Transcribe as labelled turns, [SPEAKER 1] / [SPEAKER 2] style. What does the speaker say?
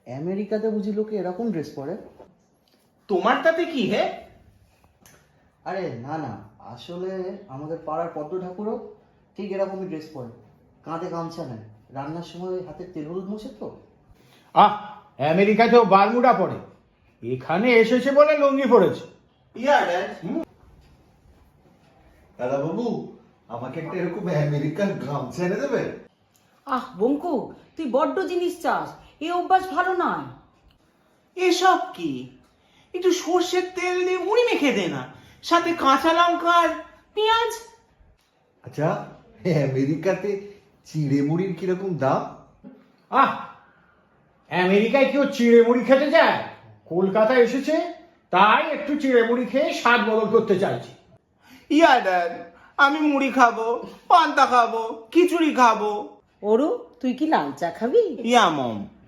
[SPEAKER 1] আমেরিকাতে বুঝি লোকে এরকম ড্রেস পরে?
[SPEAKER 2] তোমার তাতে কি হে?
[SPEAKER 1] আরে না না, আসলে আমাদের পাড়ার পদ্ম ঠাকুরও ঠিক এরকমই ড্রেস পরে, কাঁধে গামছা নেয়, রান্নার সময় হাতে তেল হলুদ মোছে তো।
[SPEAKER 3] আমেরিকাতেও বারমুডা পরে, এখানে এসেছে বলে লুঙ্গি পরেছে।
[SPEAKER 4] দাদা বাবু, আমাকে একটা এরকম আমেরিকান গামছা এনে দেবে?
[SPEAKER 5] বঙ্কু, তুই বড্ড জিনিস চাস, এই অভ্যাস ভালো নয়।
[SPEAKER 2] এসব কি? একটু সর্ষের তেল দিয়ে মুড়ি মেখে দে না, সাথে কাঁচা লঙ্কা আর পেঁয়াজ।
[SPEAKER 4] আচ্ছা, আমেরিকাতে চিড়ে মুড়ির কিরকম দাম?
[SPEAKER 3] আমেরিকায় কেউ চিড়ে মুড়ি খেতে যায়? কলকাতায় এসেছে তাই একটু চিড়ে মুড়ি খেয়ে স্বাদ বদল করতে চাইছি।
[SPEAKER 2] ড্যাড, আমি মুড়ি খাবো, পান্তা খাবো, খিচুড়ি খাবো।
[SPEAKER 5] ওরু, তুই কি লাল চা খাবি?
[SPEAKER 2] মম।